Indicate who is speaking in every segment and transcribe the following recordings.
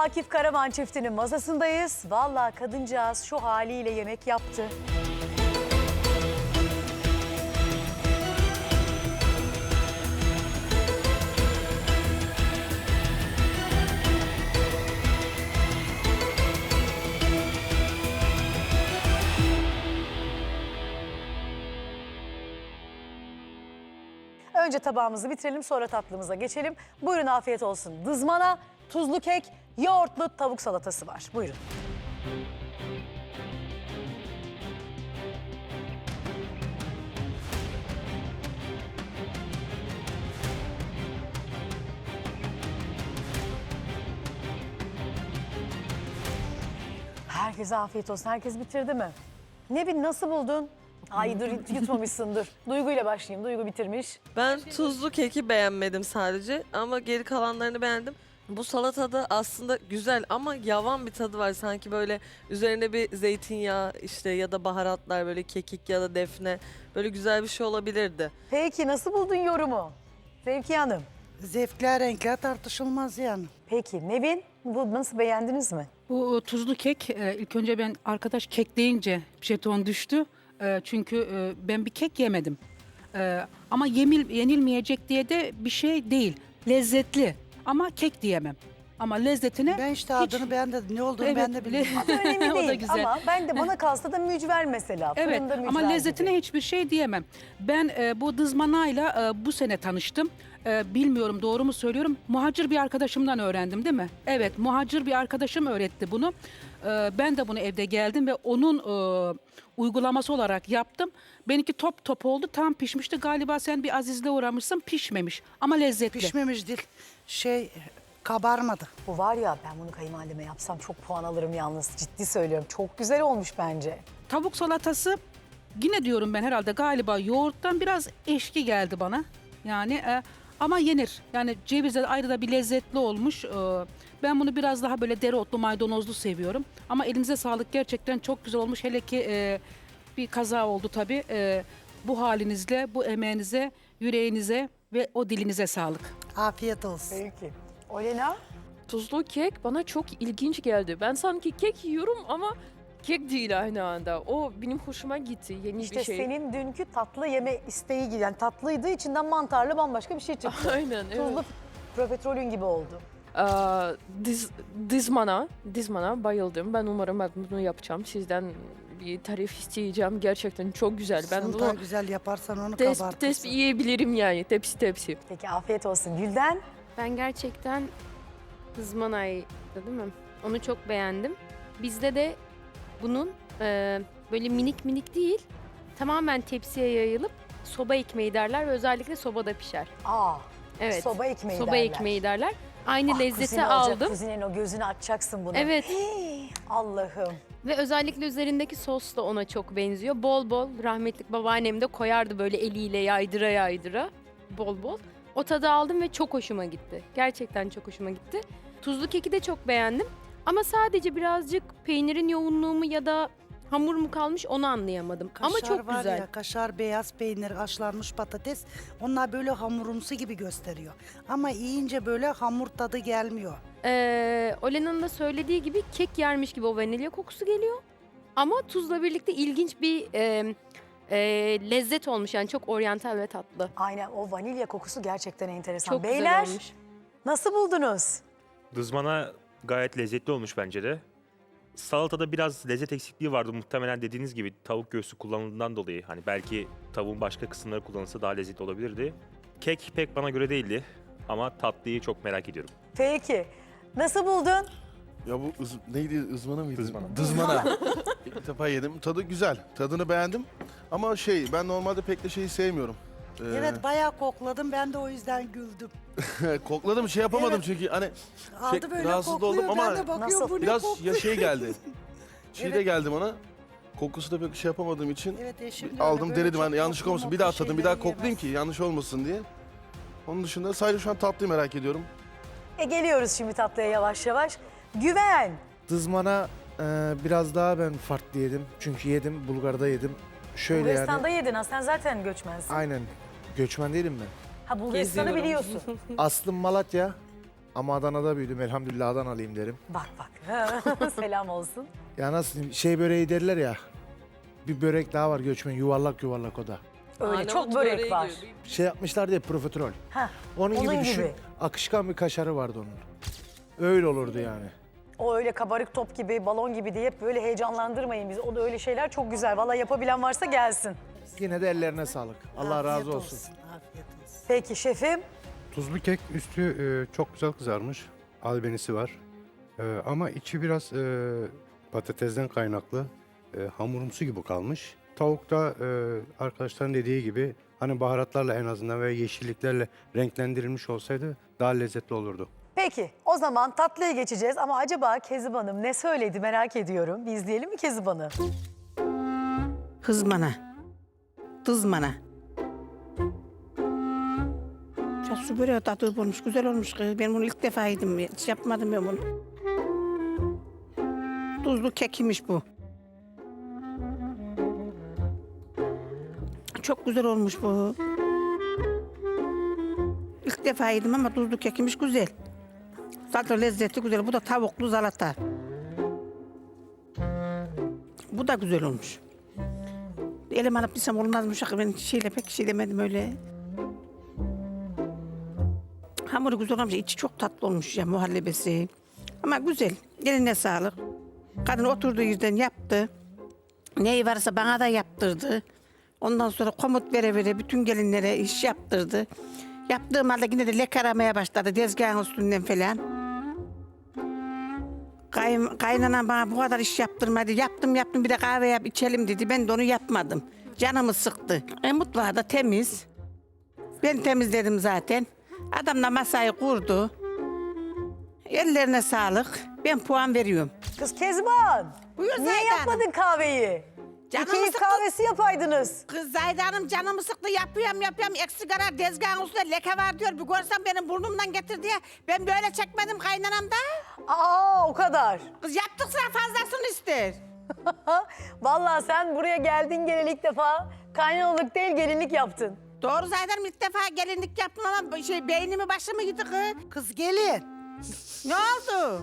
Speaker 1: Akif Karaman çiftinin masasındayız. Vallahi kadıncağız şu haliyle yemek yaptı. Önce tabağımızı bitirelim, sonra tatlımıza geçelim. Buyurun, afiyet olsun. Dızmana, tuzlu kek, yoğurtlu tavuk salatası var. Buyurun. Herkese afiyet olsun. Herkes bitirdi mi? Nevin, nasıl buldun? Ay dur, yutmamışsındır. Duygu ile başlayayım. Duygu bitirmiş.
Speaker 2: Ben tuzlu keki beğenmedim sadece ama geri kalanlarını beğendim. Bu salatada aslında güzel ama yavan bir tadı var. Sanki böyle üzerine bir zeytinyağı işte ya da baharatlar, böyle kekik ya da defne, böyle güzel bir şey olabilirdi.
Speaker 1: Peki nasıl buldun yorumu? Zevkiye Hanım.
Speaker 3: Zevkler, renkler tartışılmaz yani.
Speaker 1: Peki Nevin, bu nasıl, beğendiniz mi?
Speaker 4: Bu tuzlu kek, ilk önce ben arkadaş kek deyince jeton düştü. Çünkü ben bir kek yemedim. Ama yenilmeyecek diye de bir şey değil. Lezzetli ama kek diyemem. Ama lezzetine
Speaker 3: Ben işte adını beğendim. Ne olduğunu ben de bilmiyorum.
Speaker 1: Önemli
Speaker 4: O da
Speaker 1: değil
Speaker 4: güzel.
Speaker 1: ama ben de bana kalsa da mücver mesela.
Speaker 4: Evet
Speaker 1: Fırında mücver
Speaker 4: ama lezzetine
Speaker 1: gibi.
Speaker 4: hiçbir şey diyemem. Ben bu dızmanayla bu sene tanıştım. Bilmiyorum doğru mu söylüyorum. Muhacir bir arkadaşımdan öğrendim değil mi? Evet, muhacir bir arkadaşım öğretti bunu. Ben de bunu evde geldim ve onun uygulaması olarak yaptım. Benimki top top oldu, tam pişmişti. Galiba sen bir azizle uğramışsın, pişmemiş ama lezzetli.
Speaker 3: Pişmemiş değil. Kabarmadı.
Speaker 1: Bu var ya, ben bunu kayınvalideme yapsam çok puan alırım yalnız. Ciddi söylüyorum. Çok güzel olmuş bence.
Speaker 4: Tavuk salatası yine diyorum ben herhalde galiba yoğurttan biraz eşki geldi bana. Yani ama yenir. Yani cevizle ayrı da bir lezzetli olmuş. Ben bunu biraz daha böyle dereotlu, maydanozlu seviyorum. Ama elinize sağlık, gerçekten çok güzel olmuş. Hele ki bir kaza oldu tabii. Bu halinizle, bu emeğinize, yüreğinize ve o dilinize sağlık.
Speaker 3: Afiyet olsun.
Speaker 1: Peki. Olena?
Speaker 5: Tuzlu kek bana çok ilginç geldi. Ben sanki kek yiyorum ama kek değil aynı anda. O benim hoşuma gitti. Yeni
Speaker 1: İşte
Speaker 5: bir şey.
Speaker 1: senin dünkü tatlı yeme isteği gibi. Yani tatlıydı, içinden mantarlı bambaşka bir şey çıktı.
Speaker 5: Aynen, evet.
Speaker 1: Tuzlu profiterolün gibi oldu.
Speaker 5: Dizmana bayıldım. Ben umarım ben bunu yapacağım. Sizden bir tarif isteyeceğim. Gerçekten çok güzel. Ben
Speaker 3: Sen
Speaker 5: bunu
Speaker 3: daha güzel yaparsan onu
Speaker 5: tespit
Speaker 3: kabartırsın.
Speaker 5: yiyebilirim yani. Tepsi.
Speaker 1: Peki afiyet olsun. Gülden?
Speaker 6: Ben gerçekten ızmanaydı değil mi? Onu çok beğendim. Bizde de bunun böyle minik minik değil, tamamen tepsiye yayılıp soba ekmeği derler ve özellikle sobada pişer.
Speaker 1: Aa,
Speaker 6: Evet.
Speaker 1: soba ekmeği
Speaker 6: soba
Speaker 1: derler.
Speaker 6: ekmeği derler. Aynı
Speaker 1: Ah,
Speaker 6: lezzeti
Speaker 1: kuzine olacak,
Speaker 6: aldım.
Speaker 1: Kuzinin o gözünü açacaksın bunu.
Speaker 6: Evet.
Speaker 1: Hii, Allah'ım.
Speaker 6: Ve özellikle üzerindeki sos da ona çok benziyor. Bol bol rahmetlik babaannem de koyardı böyle eliyle yaydıra yaydıra. Bol bol. O tadı aldım ve çok hoşuma gitti. Gerçekten çok hoşuma gitti. Tuzlu keki de çok beğendim. Ama sadece birazcık peynirin yoğunluğu mu ya da hamur mu kalmış onu anlayamadım. Ama
Speaker 3: Kaşar
Speaker 6: çok
Speaker 3: var
Speaker 6: güzel.
Speaker 3: ya, kaşar, beyaz peynir, haşlanmış patates. Onlar böyle hamurumsu gibi gösteriyor. Ama yiyince böyle hamur tadı gelmiyor.
Speaker 6: Olena'nın da söylediği gibi kek yermiş gibi o vanilya kokusu geliyor. Ama tuzla birlikte ilginç bir lezzet olmuş. Yani çok oryantal ve tatlı.
Speaker 1: Aynen, o vanilya kokusu gerçekten enteresan.
Speaker 6: Çok
Speaker 1: Beyler,
Speaker 6: güzel olmuş.
Speaker 1: nasıl buldunuz?
Speaker 7: Dızmana gayet lezzetli olmuş bence de. Salatada biraz lezzet eksikliği vardı. Muhtemelen dediğiniz gibi tavuk göğsü kullanıldığından dolayı. Hani belki tavuğun başka kısımları kullanılsa daha lezzetli olabilirdi. Kek pek bana göre değildi. Ama tatlıyı çok merak ediyorum.
Speaker 1: Peki, nasıl buldun?
Speaker 8: Ya bu neydi, ızmana mıydı?
Speaker 7: Dızmana.
Speaker 8: Dızmana. İlk defa yedim. Tadı güzel. Tadını beğendim. Ama ben normalde pek de şeyi sevmiyorum.
Speaker 3: Evet, bayağı kokladım. Ben de o yüzden güldüm.
Speaker 8: Kokladım, şey yapamadım
Speaker 3: Evet.
Speaker 8: çünkü hani
Speaker 3: Aldı böyle
Speaker 8: rahatsız da
Speaker 3: kokluyor.
Speaker 8: oldum ama
Speaker 3: Ben de bakıyorum
Speaker 1: Nasıl?
Speaker 3: bu ne
Speaker 8: biraz
Speaker 3: kokluyor.
Speaker 8: ya şey geldi. Çiğ de
Speaker 3: Evet.
Speaker 8: geldi bana. Kokusu da pek şey yapamadığım için
Speaker 3: Evet, eşim de öyle,
Speaker 8: aldım,
Speaker 3: böyle
Speaker 8: denedim.
Speaker 3: çok
Speaker 8: Hani yanlışlık
Speaker 3: koklu
Speaker 8: olmasın. Bir daha
Speaker 3: moklu
Speaker 8: tadım, bir daha
Speaker 3: şeyleri
Speaker 8: koklayayım
Speaker 3: yemez.
Speaker 8: ki yanlış olmasın diye. Onun dışında sadece şu an tatlıyı merak ediyorum.
Speaker 1: Geliyoruz şimdi tatlıya yavaş yavaş. Güven.
Speaker 9: Dızmana biraz daha ben farklı yedim. Çünkü yedim, Bulgar'da yedim. Şöyle
Speaker 1: Bulgaristan'da
Speaker 9: yani.
Speaker 1: yedin ha, sen zaten göçmensin.
Speaker 9: Aynen. Göçmen değilim ben.
Speaker 1: Ha, Bulgaristan'ı
Speaker 2: Geziyorum.
Speaker 1: biliyorsun.
Speaker 9: Aslım Malatya Ama Adana'da büyüdüm. Elhamdülillah Adanalıyım derim.
Speaker 1: Bak bak. Selam olsun.
Speaker 9: Ya nasıl diyeyim, şey böreği derler ya. Bir börek daha var göçmen, yuvarlak yuvarlak o da.
Speaker 1: Öyle
Speaker 2: Arnavut
Speaker 1: çok börek
Speaker 2: böreği
Speaker 1: var.
Speaker 2: gibi.
Speaker 9: Şey yapmışlar diye profiterol.
Speaker 1: Heh,
Speaker 9: Onun gibi
Speaker 1: onun
Speaker 9: düşün.
Speaker 1: gibi.
Speaker 9: Akışkan bir kaşarı vardı onun. Öyle olurdu yani.
Speaker 1: O öyle kabarık top gibi, balon gibi diye hep böyle heyecanlandırmayın bizi. O da öyle şeyler çok güzel. Vallahi yapabilen varsa gelsin.
Speaker 9: Yine de ellerine sağlık. Allah razı
Speaker 3: Afiyet
Speaker 9: olsun.
Speaker 3: Afiyet olsun.
Speaker 1: Peki şefim.
Speaker 10: Tuzlu kek üstü çok güzel kızarmış. Albenisi var. Ama içi biraz patatesden kaynaklı hamurumsu gibi kalmış. Tavuk da arkadaşların dediği gibi hani baharatlarla en azından ve yeşilliklerle renklendirilmiş olsaydı daha lezzetli olurdu.
Speaker 1: Peki o zaman tatlıya geçeceğiz ama acaba Kezib Hanım ne söyledi merak ediyorum. Bir izleyelim mi Kezib Hanım?
Speaker 11: Hızmana. Tızmana. Su böreği tadı olmuş, güzel olmuş. Ben bunu ilk defa yedim. Hiç yapmadım ben bunu. Tuzlu kekimiş bu. Çok güzel olmuş bu. İlk defa yedim ama tuzlu kekimiş güzel. Tadı lezzeti güzel. Bu da tavuklu salata. Bu da güzel olmuş. Elim alıp desem olmazmış. Ben pek şeylemedim öyle. Hamuru güzel olmuş. İçi çok tatlı olmuş ya muhallebesi. Ama güzel. Eline sağlık. Kadın oturduğu yerden yaptı. Neyi varsa bana da yaptırdı. Ondan sonra komut vere vere bütün gelinlere iş yaptırdı. Yaptığım halde yine de leke aramaya başladı tezgahın üstünden falan. Kaynanam bana bu kadar iş yaptırmadı. Yaptım bir de kahve yap içelim dedi. Ben de onu yapmadım. Canımı sıktı. Mutfağı da temiz. Ben temizledim zaten. Adam da masayı kurdu. Ellerine sağlık. Ben puan veriyorum.
Speaker 1: Kız Kezban.
Speaker 11: Buyur
Speaker 1: Niye
Speaker 11: Zahide
Speaker 1: yapmadın
Speaker 11: Hanım.
Speaker 1: kahveyi?
Speaker 11: Canımı
Speaker 1: Bir keyif
Speaker 11: sıktı.
Speaker 1: kahvesi yapaydınız.
Speaker 11: Kız Zahide Hanım canımı sıktı yapıyorum. Eksik arar tezgahın üstünde leke var diyor. Bir görsem benim burnumdan getir diye. Ben böyle çekmedim kaynanamda.
Speaker 1: Aa o kadar.
Speaker 11: Kız yaptıkça fazlasını ister.
Speaker 1: Vallahi sen buraya geldin geleli ilk defa kaynanalık değil gelinlik yaptın.
Speaker 11: Doğru Zahide Hanım ilk defa gelinlik yaptım ama beynimi başımı yedi kız.
Speaker 3: Kız gelin.
Speaker 11: Ne oldu?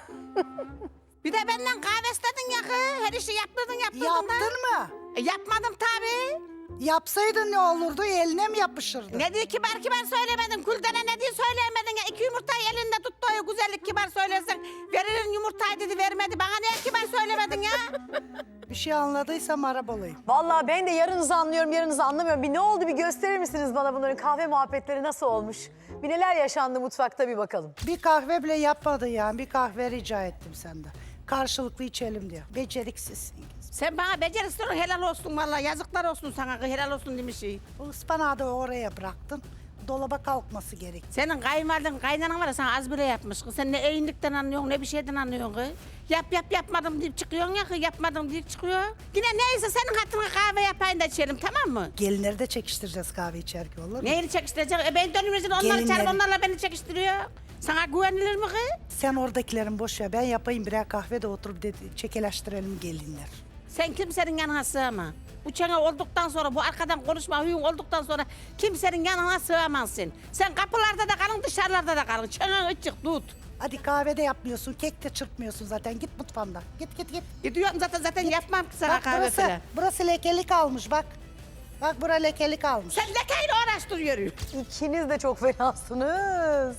Speaker 11: Bir de benden kahve istedin ya kız. Her işi yaptırdın
Speaker 3: Yaptın mı?
Speaker 11: Yapmadım tabii.
Speaker 3: Yapsaydın ne olurdu? Eline mi yapışırdı?
Speaker 11: Ne diye kibar söylemedin. Kuldene ne diye söyleyemedin ya. 2 yumurtayı elinde tuttu o güzellik kibar söylersen. Veririn yumurtayı dedi vermedi. Bana niye kibar söylemedin ya?
Speaker 3: Bir şey anladıysam arabalıyım.
Speaker 1: Vallahi ben de yarınızı anlıyorum, yarınızı anlamıyorum. Bir ne oldu bir gösterir misiniz bana bunların kahve muhabbetleri nasıl olmuş? Bir neler yaşandı mutfakta bir bakalım.
Speaker 3: Bir kahve bile yapmadı yani. Bir kahve rica ettim senden. Karşılıklı içelim diyor. Beceriksizsin.
Speaker 11: Sen bana beceriksiz ol, helal olsun vallahi. Yazıklar olsun sana helal olsun demiş.
Speaker 3: Bu ıspanağı da oraya bıraktın. Dolaba kalkması gerek.
Speaker 11: Senin kaynanan var ya sana az bile yapmış. Kız. Sen ne eğinlikten anlıyorsun ne bir şeyden anlıyorsun. Kız. Yapmadım deyip çıkıyorsun ya kız. Yapmadım deyip çıkıyor. Yine neyse senin hatırına kahve yapayım da içelim tamam mı?
Speaker 3: Gelinleri de çekiştireceğiz kahve içerken olur mu?
Speaker 11: Neyini çekiştirecek? Ben dönümüzün onları
Speaker 3: Gelinleri.
Speaker 11: çağırıp onlarla beni çekiştiriyor. Sana güvenilir mi kız?
Speaker 3: Sen oradakilerin boş ver. Ben yapayım birer kahve de oturup çekeleştirelim gelinler.
Speaker 11: Sen kimsenin yanına sığma. Bu çene olduktan sonra, bu arkadan konuşma huyun olduktan sonra kimsenin yanına sığamazsın. Sen kapılarda da kalın, dışarılarda da kalın. Çenen açık tut.
Speaker 3: Hadi kahve de yapmıyorsun, kek de çırpmıyorsun zaten. Git mutfağından. Git.
Speaker 11: Gidiyorum zaten yapmam ki sana
Speaker 3: Bak
Speaker 11: kahve falan.
Speaker 3: burası lekelik almış bak. Bak bura lekelik almış.
Speaker 11: Sen lekeyle uğraştırıyor.
Speaker 1: İkiniz de çok fenasınız.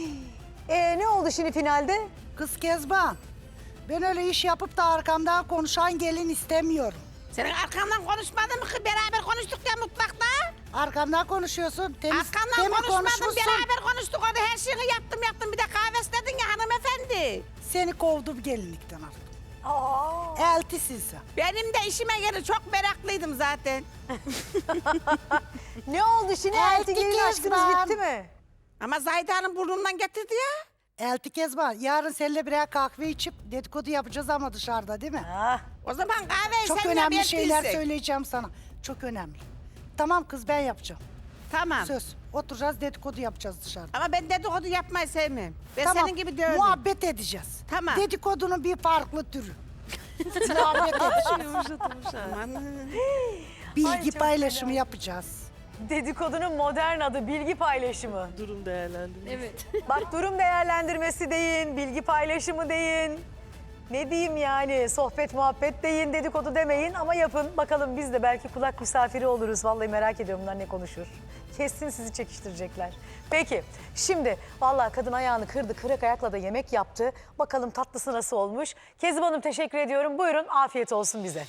Speaker 1: Ne oldu şimdi finalde?
Speaker 3: Kız Kezban, ben öyle iş yapıp da arkamdan konuşan gelin istemiyorum.
Speaker 11: Senin arkamdan konuşmadın mı ki? Beraber konuştuk ya mutfakta.
Speaker 3: Arkamdan konuşuyorsun.
Speaker 11: Arkamdan konuşmadım, beraber konuştuk. Orada her şeyi yaptım. Bir de kahve istedin ya hanımefendi.
Speaker 3: Seni kovdum gelinlikten artık.
Speaker 1: Aa.
Speaker 3: Eltisin sen.
Speaker 11: Benim de işime göre çok meraklıydım zaten.
Speaker 1: Ne oldu şimdi? Elti gelin aşkınız
Speaker 3: Kezban.
Speaker 1: bitti mi?
Speaker 11: Ama Zahide Hanım burnumdan getirdi ya.
Speaker 3: Elti Kezban, yarın seninle birer kahve içip dedikodu yapacağız ama dışarıda değil mi?
Speaker 1: Ah.
Speaker 11: O zaman kahveyi
Speaker 3: Çok
Speaker 11: sen
Speaker 3: önemli
Speaker 11: yap,
Speaker 3: şeyler
Speaker 11: yettiyse.
Speaker 3: söyleyeceğim sana. Çok önemli. Tamam kız ben yapacağım.
Speaker 11: Tamam.
Speaker 3: Söz. Oturacağız dedikodu yapacağız dışarıda.
Speaker 11: Ama ben dedikodu yapmayı sevmem. Ben
Speaker 3: Tamam.
Speaker 11: senin gibi değilim.
Speaker 3: Muhabbet edeceğiz.
Speaker 11: Tamam.
Speaker 3: Dedikodunun bir farklı türü. Muhabbet edeceğiz.
Speaker 11: Aman.
Speaker 3: Bilgi
Speaker 1: Ay, çok
Speaker 3: paylaşımı
Speaker 1: fena.
Speaker 3: yapacağız.
Speaker 1: Dedikodunun modern adı bilgi paylaşımı.
Speaker 2: Durum değerlendirmesi.
Speaker 6: Evet.
Speaker 1: Bak durum değerlendirmesi deyin, bilgi paylaşımı deyin. Ne diyeyim yani sohbet muhabbet deyin, dedikodu demeyin ama yapın. Bakalım biz de belki kulak misafiri oluruz. Vallahi merak ediyorum bunlar ne konuşur. Kesin sizi çekiştirecekler. Peki şimdi vallahi kadın ayağını kırdı, kırık ayakla da yemek yaptı. Bakalım tatlısı nasıl olmuş. Kezban Hanım teşekkür ediyorum. Buyurun afiyet olsun bize.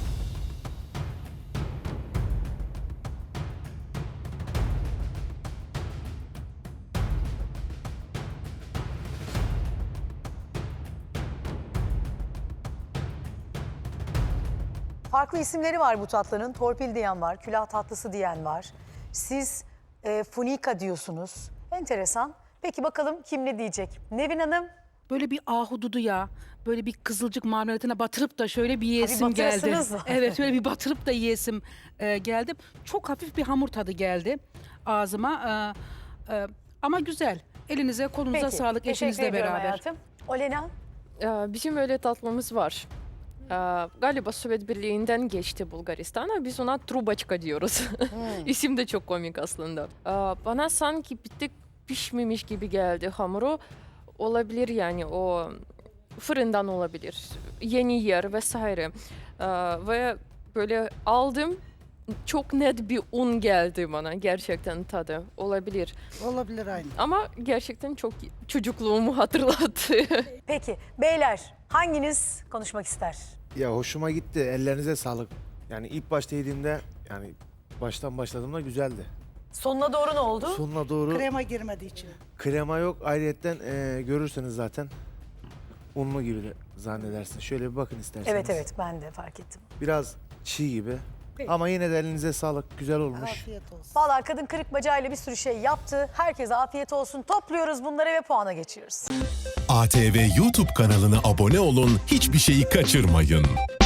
Speaker 1: Farklı isimleri var bu tatlının. Torpil diyen var, külah tatlısı diyen var. Siz funika diyorsunuz. Enteresan. Peki bakalım kim ne diyecek? Nevin Hanım.
Speaker 4: Böyle bir ahududu ya. Böyle bir kızılcık marmelatına batırıp da şöyle bir yiyesim geldi.
Speaker 1: batırasınız mı?
Speaker 4: Evet, şöyle bir batırıp da yiyesim geldi. Çok hafif bir hamur tadı geldi ağzıma. Ama güzel. Elinize kolunuza
Speaker 1: Peki,
Speaker 4: sağlık
Speaker 1: teşekkür
Speaker 4: eşinizle
Speaker 1: ediyorum
Speaker 4: beraber.
Speaker 1: hayatım. Olena.
Speaker 5: Bizim öyle tatlımız var. Galiba Sovyet Birliği'nden geçti Bulgaristan'a. Biz ona trubaçka diyoruz. İsim de çok komik aslında. Bana sanki bir tık pişmemiş gibi geldi hamuru. Olabilir yani o fırından olabilir. Yeni yer vesaire. Ve böyle aldım. Çok net bir un geldi bana gerçekten tadı. Olabilir.
Speaker 3: Olabilir aynı.
Speaker 5: Ama gerçekten çok çocukluğumu hatırlattı.
Speaker 1: Peki beyler hanginiz konuşmak ister?
Speaker 9: Ya hoşuma gitti. Ellerinize sağlık. Yani ilk başta yediğimde yani baştan başladığımda güzeldi.
Speaker 1: Sonuna doğru ne oldu?
Speaker 9: Sonuna doğru
Speaker 3: Krema girmediği için.
Speaker 9: krema yok. Ayrıyetten görürseniz zaten unlu gibi de zannedersin. Şöyle bir bakın isterseniz.
Speaker 1: Evet evet ben de fark ettim.
Speaker 9: Biraz çiğ gibi.
Speaker 1: Peki.
Speaker 9: Ama yine de elinize sağlık. Güzel olmuş.
Speaker 3: Afiyet olsun.
Speaker 1: Vallahi kadın kırık bacağıyla bir sürü şey yaptı. Herkese afiyet olsun. Topluyoruz bunları ve puana geçiyoruz.
Speaker 12: ATV YouTube kanalına abone olun, hiçbir şeyi kaçırmayın.